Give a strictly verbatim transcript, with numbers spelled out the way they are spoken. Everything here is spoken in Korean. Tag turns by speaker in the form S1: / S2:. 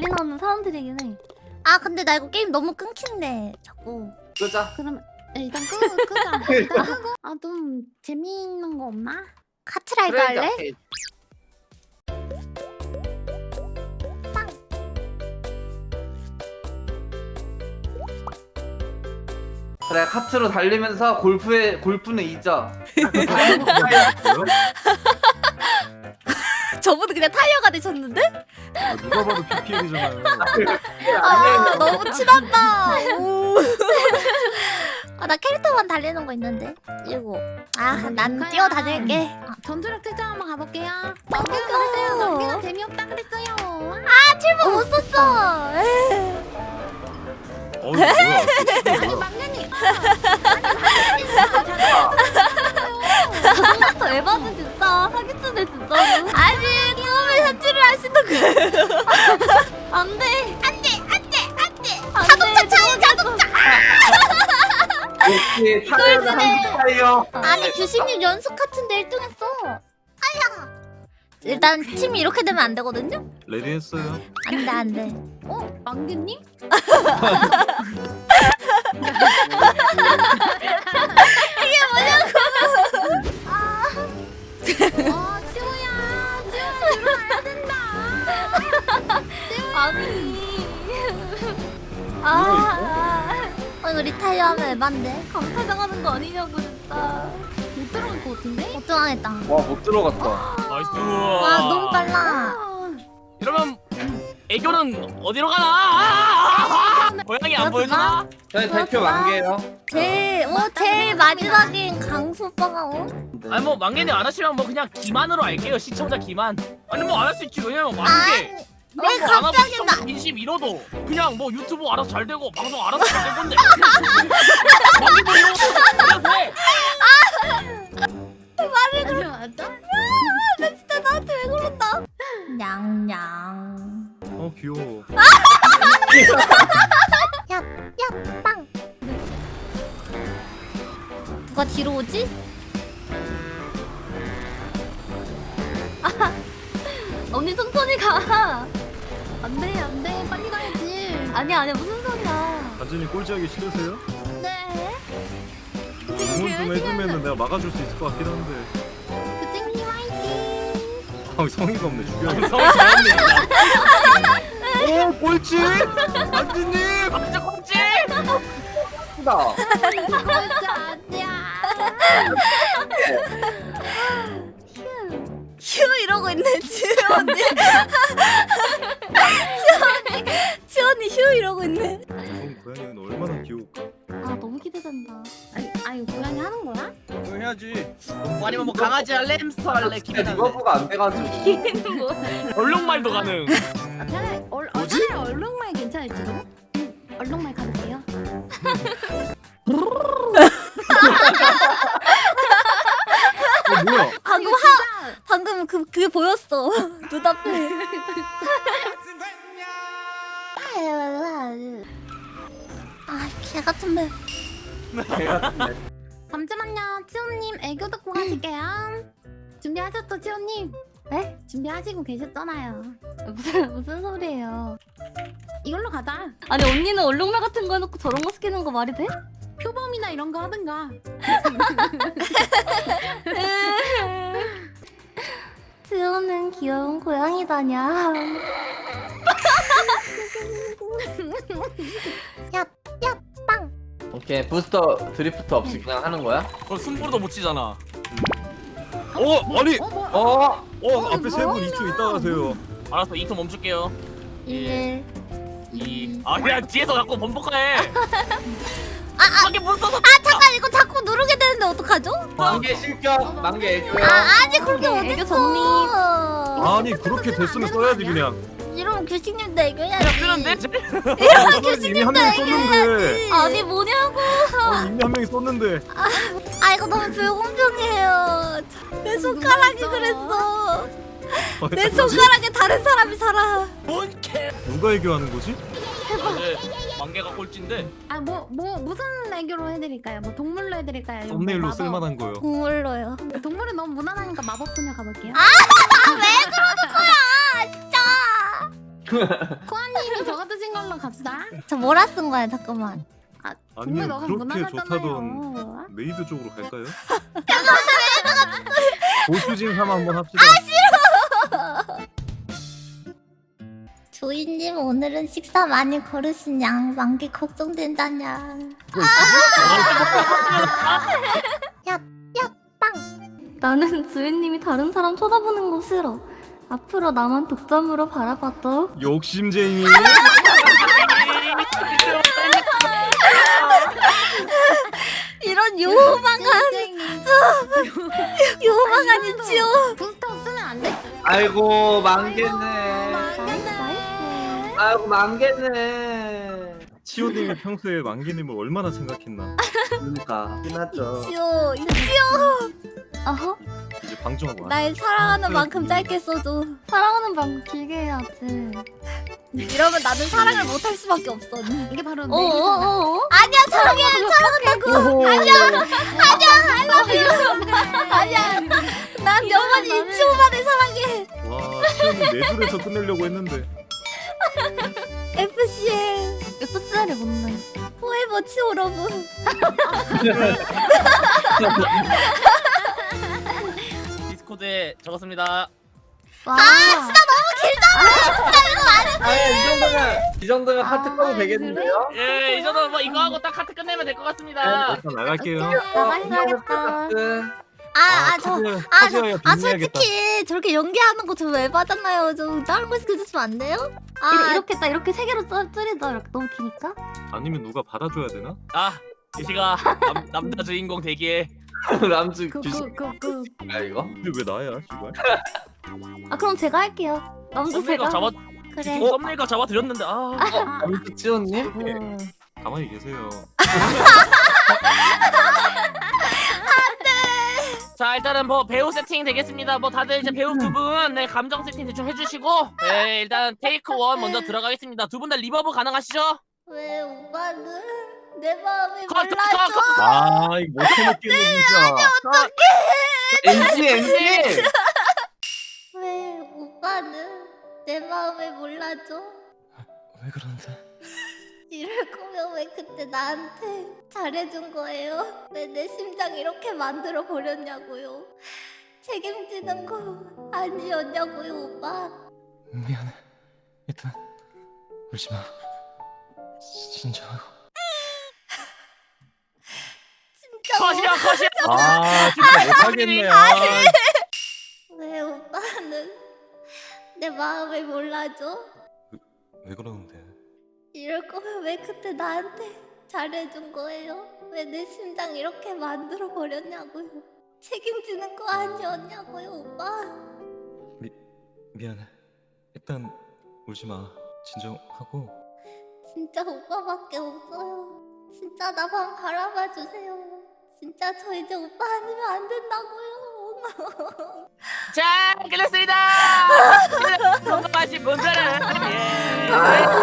S1: 올인하는 사람들이긴 해.
S2: 아 근데 나 이거 게임 너무 끊긴데 자꾸.
S3: 끄자.
S1: 그럼 일단 끄, 끄자. 일단 끄고. 아 좀 재미있는 거 없나?
S2: 카트라이더
S3: 프렌즈
S2: 할래?
S3: 아케이드. 그래 카트로 달리면서 골프에 골프는 잊어.
S2: 저분은 그냥 타이어가 되셨는데?
S4: 아, 누가 봐도 비피엘이잖아요.
S2: 아 너무 친하다. 아나 캐릭터만 달리는 거 있는데. 이거. 아난
S1: 루카야.
S2: 뛰어 다닐게.
S1: 아, 전투력 특전 한번 가볼게요.
S2: 어.
S1: 넘기가 그랬어요. 넘기가 재미없다 그랬어요.
S2: 아 칠번 못 썼어. 에이.
S4: 어 뭐야?
S1: 아니 막내님.
S2: 저번부터 에바는 진짜 사기치네 진짜로. 아니 처음에 사치를 하시는 거예요. 안돼 안돼 안돼 안돼. 자동차 차이 자동차.
S3: 역시 타이어는 한국 타이어.
S2: 아니 규식님 연습 같은데 일 등 했어. 아야. 일단 팀이 이렇게 되면 안 되거든요?
S4: 레디 했어요.
S2: 안돼 안돼.
S1: 어 막내님? 아 치호야 치호야 들어가야 된다.
S2: 아니. 아. 아 이거 리타이어 하면 에반데. 강탈당하는 거 아니냐고 진짜.
S1: 못 들어갈 것 같은데?
S2: 못 들어가겠다.
S3: 와 못 들어갔다.
S5: 나이스.
S2: 와 너무 빨라.
S1: 아,
S5: 이러면 애교는 어디로 가나? 아, 아, 아! 고양이 안 보여주나?
S3: 저희 대표 만개요.
S2: 제일 어 제일 마지막인 강수 오빠가 어?
S5: 아니 뭐 망개님 안 하시면 뭐 그냥 기만으로 할게요. 시청자 기만. 아니 뭐 안 할 수 있지. 왜냐면 만개.
S2: 아니 왜 갑자기 나
S5: 인심 잃어도 그냥 뭐 유튜브 알아서 잘 되고 방송 알아서 잘 될 건데. 만개 뭐 이런 거 돼.
S1: 말을 맞아?
S2: 나 진짜 나한테 왜 그런다. 냥냥.
S4: 어 귀여워.
S2: 야야빵. 누가 뒤로 오지?
S1: 언니 천천히 가. 안돼 안돼 빨리 가야지.
S2: 아니야 아니야 무슨 소리야.
S4: 단진이 꼴찌하기 싫으세요?
S2: 네.
S4: 응원 좀 해주면은 내가 막아줄 수 있을 것 같긴 한데.
S2: 그쟁님 화이팅.
S4: 아 성의가 없네 죽여야겠다.
S5: 성이 잘했네.
S4: 오 꼴찌! 단진님!
S5: 진짜 꼼지.
S3: 크다.
S1: 진짜 아니야.
S2: 휴 이러고 있네 지원이. 지원이 지원이 휴 이러고 있네.
S4: 그럼 고양이는 얼마나 귀여울까?
S1: 아 너무 기대된다. 아니 아니 고양이 하는 거야?
S5: 그거 해야지. 뭐 아니면 뭐 강아지 할래, 햄스터 할래,
S3: 진짜
S5: 기대 할래.
S3: 리버브가 안 돼가지고.
S5: 얼룩말도 가능.
S1: 아, 차라리 얼 어, 차라리 얼룩말 괜찮을지도. 응, 얼룩말 가볼게요.
S4: 어 뭐야?
S2: 방금 하 방금 그 그게 보였어. 눈앞에. 아개 같은 맵.
S1: 잠시만요, 치호님 애교 듣고 가실게요. 준비하셨죠, 치호님?
S2: 네?
S1: 준비하시고 계셨잖아요.
S2: 무슨 무슨 소리예요?
S1: 이걸로 가자.
S2: 아니 언니는 얼룩말 같은 거 해놓고 저런 거 시키는 거 말이 돼?
S1: 표범이나 이런 거 하든가.
S2: 지호는 귀여운 고양이다냐. 야, 빵.
S3: 오케이 부스터 드리프트 없이 그냥 하는 거야?
S5: 그거 숨부르도 못 치잖아.
S4: 어 아니!
S1: 어, 뭐?
S3: 어?
S4: 어 앞에 세 분 이 초 있다 가세요.
S5: 알았어, 이 초 멈출게요.
S2: 일.
S5: 이. 아 그냥 뒤에서 자꾸 번복해.
S2: 아, 아,
S5: 밖에 못 써서.
S2: 아 잠깐 이거 자꾸 누르게 되는데 어떡하죠?
S3: 만개 실격, 만개 애교야.
S2: 아 아직 그렇게
S1: 오케이,
S2: 어딨어.
S1: 애교
S4: 아니 그렇게 됐으면 써야지 그냥.
S2: 이러면 규식님도 애교해야지.
S5: 그냥 쓰는데?
S4: 아, 저는 이미 한 명이 썼는데.
S2: 아니 뭐냐고.
S4: 어, 이미 한 명이 썼는데.
S2: 아 이거 너무 불공평해요. 내 손가락이 그랬어.
S4: 아,
S2: 내 손가락에 다른 사람이 살아.
S5: 뭔 개.
S4: 누가 애교하는 거지?
S5: 이제 만개가 꼴찌인데.
S1: 아, 뭐, 뭐, 무슨 애교로 해드릴까요? 뭐, 동물로 해드릴까요? 아니면 뭐
S4: 썸네일로
S1: 마법?
S4: 쓸만한 거요.
S2: 동물로요.
S1: 동물은 너무 무난하니까 마법소녀 가볼게요.
S2: 아 왜 그러는 거야 진짜.
S1: 코아님, 그냥 저거 드신 걸로 갑시다.
S2: 저 뭐라 쓴 거야 잠깐만.
S1: 아 정말
S4: 아니면
S1: 너가
S4: 그렇게
S1: 무난하잖아요.
S4: 좋다던 메이드 쪽으로 갈까요? 보수진 삼 한번 합시다.
S2: 조이님 오늘은 식사 많이 거르시냐? 만기 걱정된다냐? 야, 야, 빵.
S6: 나는 주인님이 다른 사람 쳐다보는 거 싫어. 앞으로 나만 독점으로 바라봐도.
S4: 욕심쟁이.
S2: 이런 요망한 요망한 이치요.
S1: 부스터 쓰면 안 돼?
S3: 아이고 망겠네.
S1: 망겠네.
S3: 아이고 망겠네.
S4: 치호님이 평소에 만기님을 얼마나 생각했나.
S3: 그러니까 끝났죠.
S2: 이치요, 이치요.
S6: 어허?
S4: 이제 방종하고 와.
S2: 날 사랑하는 만큼 짧게 써줘.
S6: 사랑하는 방 길게 해야지.
S2: 이러면 나는 사랑을 못할 수밖에 없어.
S1: 이게 바로 내
S2: 어어어? 아니야 사랑해 사랑한다고. 아니야 아니야 I love you. 아니야 난 영원히 이치오만을 사랑해.
S4: 와, 치호님 네 줄에서 끝내려고 했는데.
S2: 에프씨엘
S6: 에프씨엘이 뭔데?
S2: 포에버 치오 러브.
S5: 디스코드에 적었습니다.
S6: 와.
S3: 아이 이 정도면 이 정도면 하트
S1: 아,
S3: 꺼도 되겠는데요?
S5: 예, 이 정도 뭐 이거 하고 딱 카트 끝내면 될 것 같습니다.
S4: 일단 나갈게요.
S6: 나가셔야겠다.
S2: 아아저
S4: 카드-
S2: 아,
S4: 카드여야
S2: 아
S4: 빚내야겠다.
S2: 솔직히 저렇게 연기하는 거 저 왜 받았나요? 저 다른 거 시켜주시면 안 돼요? 아
S6: 이렇게, 이렇게 딱 이렇게 세 개로 줄- 줄이자. 이렇게 너무 기니까.
S4: 아니면 누가 받아줘야 되나?
S5: 아, 이시가 남, 남자 주인공 대기에.
S3: 람즈 귀신.
S1: 그그그그
S3: 아 이거?
S4: 근데 왜 나야, 씨발?
S6: 아 그럼 제가 할게요. 남도
S5: 썸네일각
S6: 제가.
S5: 잡아,
S2: 그래.
S5: 어? 썸네일각 잡아 드렸는데 아.
S3: 람즈 찌오님?
S6: 음.
S4: 가만히 계세요.
S5: 자 일단은 뭐 배우 세팅 되겠습니다. 뭐 다들 이제 배우 두 분 네, 감정 세팅 대충 해주시고 네 일단 테이크 원 먼저 들어가겠습니다. 두 분 다 리버브 가능하시죠?
S2: 왜 오빠는 내 마음이
S5: 컷, 컷,
S2: 몰라줘?
S5: 컷, 컷.
S4: 아, 이거 못 참겠네 진짜.
S3: 엔지 엔지.
S2: 왜 오빠는 내 마음을 몰라줘?
S4: 왜 그러는데?
S2: 이럴 거면 왜 그때 나한테 잘해준 거예요? 왜 내 심장 이렇게 만들어 버렸냐고요? 책임지는 거 아니었냐고요, 오빠?
S7: 미안해. 일단 울지 마. 진정하고.
S2: 진짜
S5: 컷이야 컷이야.
S4: 아, 진짜 못하겠네. 아,
S2: 왜 오빠는 내 마음을 몰라줘?
S7: 왜 그러는데?
S2: 이럴 거면 왜 그때 나한테 잘해준 거예요? 왜 내 심장 이렇게 만들어 버렸냐고요? 책임지는 거 아니었냐고요, 오빠?
S7: 미 미안해. 일단 울지 마. 진정하고.
S2: 진짜 오빠밖에 없어요. 진짜 나만 바라봐 주세요. 진짜 저 이제 오빠 아니면 안 된다고요.
S5: 자 끝냈습니다. 성공하신 분들은 예.